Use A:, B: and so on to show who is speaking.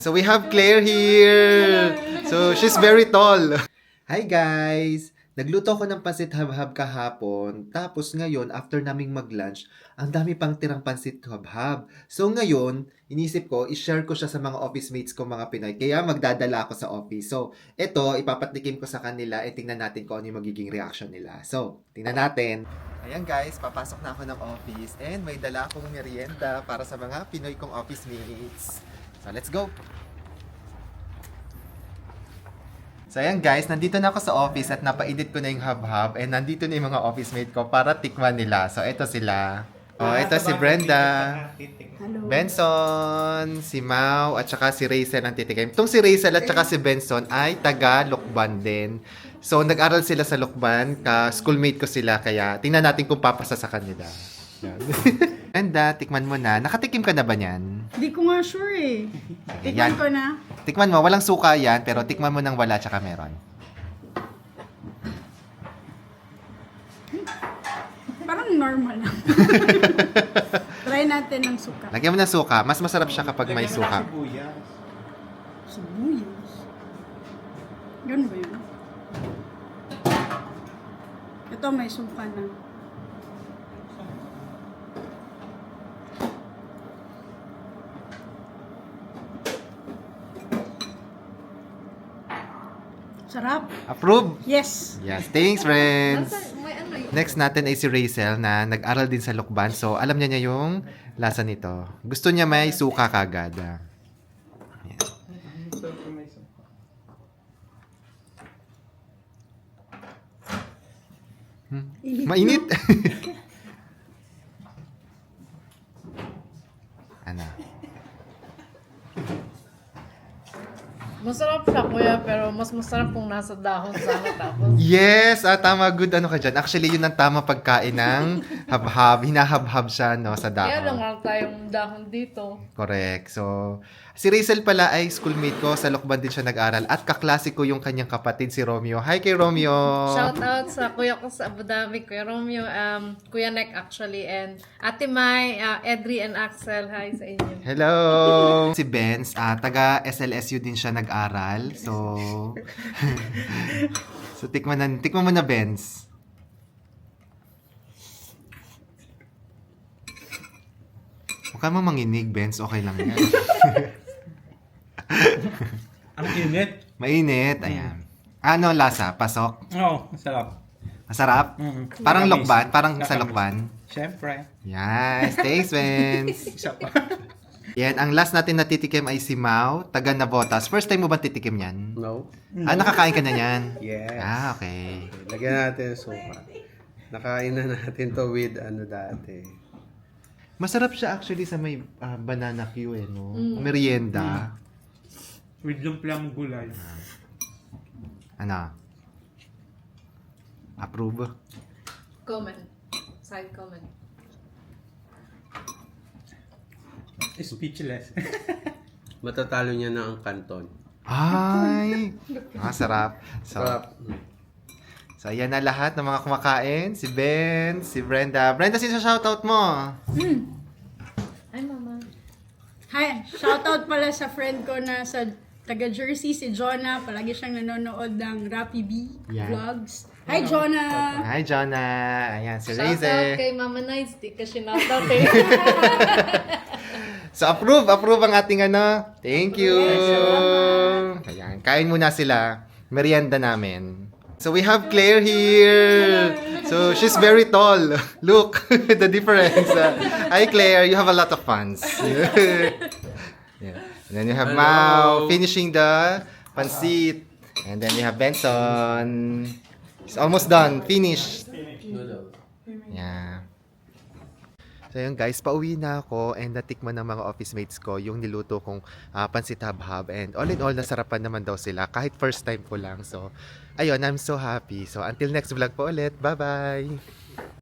A: So we have Claire here. So she's very tall. Hi guys! Nagluto ako ng pansit habhab kahapon. Tapos ngayon, after naming mag-lunch, ang dami pang tirang pansit habhab. So ngayon, inisip ko, i-share ko siya sa mga office mates ko mga Pinoy. Kaya magdadala ako sa office. So, ito, ipapatikim ko sa kanila. Tingnan natin kung ano yung magiging reaction nila. So, tingnan natin. Ayan guys, papasok na ako ng office. And may dala akong merienda para sa mga Pinoy kong office mates. So, let's go! So, ayan guys, nandito na ako sa office at napaedit ko na yung hub-hub and nandito na yung mga office mate ko para tikman nila. So, ito sila. Oh, ito si Brenda,
B: Hello.
A: Benson, si Mau, at saka si Rachel ang titikim. Itong si Rachel at saka si Benson ay taga Lukban din. So, nag-aral sila sa Lukban, ka-schoolmate ko sila, kaya tingnan natin kung papasa sa kanila. Brenda, tikman mo na. Nakatikim ka na ba niyan?
B: Hindi ko nga sure eh. Tikman ko na.
A: Tikman mo, walang suka yan, pero tikman mo ng wala tsaka meron.
B: Parang normal lang. Try natin ng suka.
A: Lagyan mo ng suka. Mas masarap siya kapag may suka.
B: Sibuyas. Yun ba yun? Ito may suka na. Sarap.
A: Approve?
B: Yes.
A: Yes. Thanks, friends. Next natin ay si Rachel na nag-aral din sa Lukban. So, alam niya yung lasa nito. Gusto niya may suka kagad. Ayan. Mainit. Ano?
C: Masarap siya, kuya, pero mas masarap kung nasa dahon sana tapos.
A: Yes! Tama. Good ano ka dyan. Actually, yun ang tama pagkain ng habhab. Hinahabhab siya no, sa
C: Kaya lang
A: dahon.
C: nga tayong dahon dito.
A: Correct. So, si Rachel pala ay schoolmate ko. Sa Lukban din siya nag-aral. At kaklase ko yung kanyang kapatid, si Romeo. Hi kay Romeo!
C: Shout out sa kuya ko sa Abu Dhabi, Kuya Romeo, Kuya Nek actually, and Ate Mai, Edri and Axel. Hi sa inyo.
A: Hello! Si Benz, taga SLSU din siya nag-aral. So, so tikman mo na, Benz. Huwag ka mo manginig, Benz. Okay lang yan.
D: Ang init.
A: Mainit. Ayan. Ano lasa? Pasok?
D: Oo, masarap.
A: Masarap? Parang
D: Matamis.
A: Lukban? Parang sa
D: Matamis.
A: Lukban?
D: Siyempre.
A: Yes. Thanks, Benz.
D: Isa pa.
A: Yan. Ang last natin natitikim ay si Mau, taga Navotas. First time mo ba titikim yan?
E: No?
A: Nakakain ka na yan?
E: Yes.
A: Okay.
E: Lagyan natin ng suka. Nakain na natin to with ano dati.
A: Masarap siya actually sa may banana Q no? Merienda.
D: With lumpiang gulay.
A: Ano? Approve?
C: Comment. Side comment.
D: Speechless.
E: Matatalo niya na ang kanton.
A: Ay! Sarap. So,
E: Sarap.
A: so, ayan na lahat ng mga kumakain. Si Ben, si Brenda. Brenda, sino shoutout mo?
C: Hi, mama.
B: Hi, shoutout pala sa friend ko na sa taga Jersey, si Jonah. Palagi siyang nanonood ng Rappi B
A: Yan.
B: vlogs. Hi, Jonah!
A: Hi, Jonah. Ayan, si
C: Shout out
A: Raze.
C: kay Mama Nice. Di ka sinoutout eh.
A: So, approve ang ating ano. Thank you. Ayan, kain muna sila. Merienda namin. So, we have Claire here. So, she's very tall. Look, the difference. Hi, Claire. You have a lot of fans. Yeah. And then you have Mau finishing the pansit. And then you have Benson. It's almost done. Finished. Yeah. So yun guys, pauwi na ako and natikman ng mga office mates ko yung niluto kong pansit habhab and all in all nasarapan naman daw sila kahit first time ko lang. So ayun, I'm so happy. So until next vlog po ulit. Bye-bye!